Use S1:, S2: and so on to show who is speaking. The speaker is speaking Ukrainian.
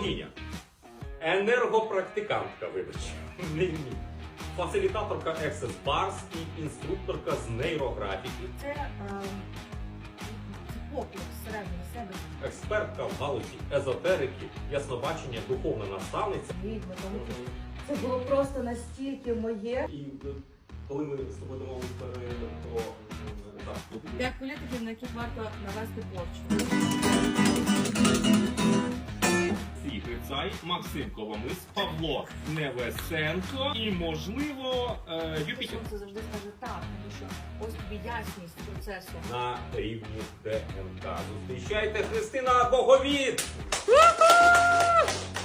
S1: Богиня. Енергопрактикантка, вибач. Ні. Фасилітаторка Access Bars і інструкторка з нейрографіки.
S2: Це поклик всередині себе.
S1: Експертка в галузі езотерики, яснобачення, духовна наставниця.
S2: Відьма, тому що це було просто настільки моє.
S1: І коли ми з тобою домовилися про
S2: Як політиків, на яких варто навести порчу.
S1: Сергій Грицай, Максим Коломис, Павло Невесенко і, можливо, Юпітер.
S2: Сонце завжди скаже так, тому що ось тобі ясність процесу.
S1: На рівні ДНК. Зустрічайте Христина Боговід!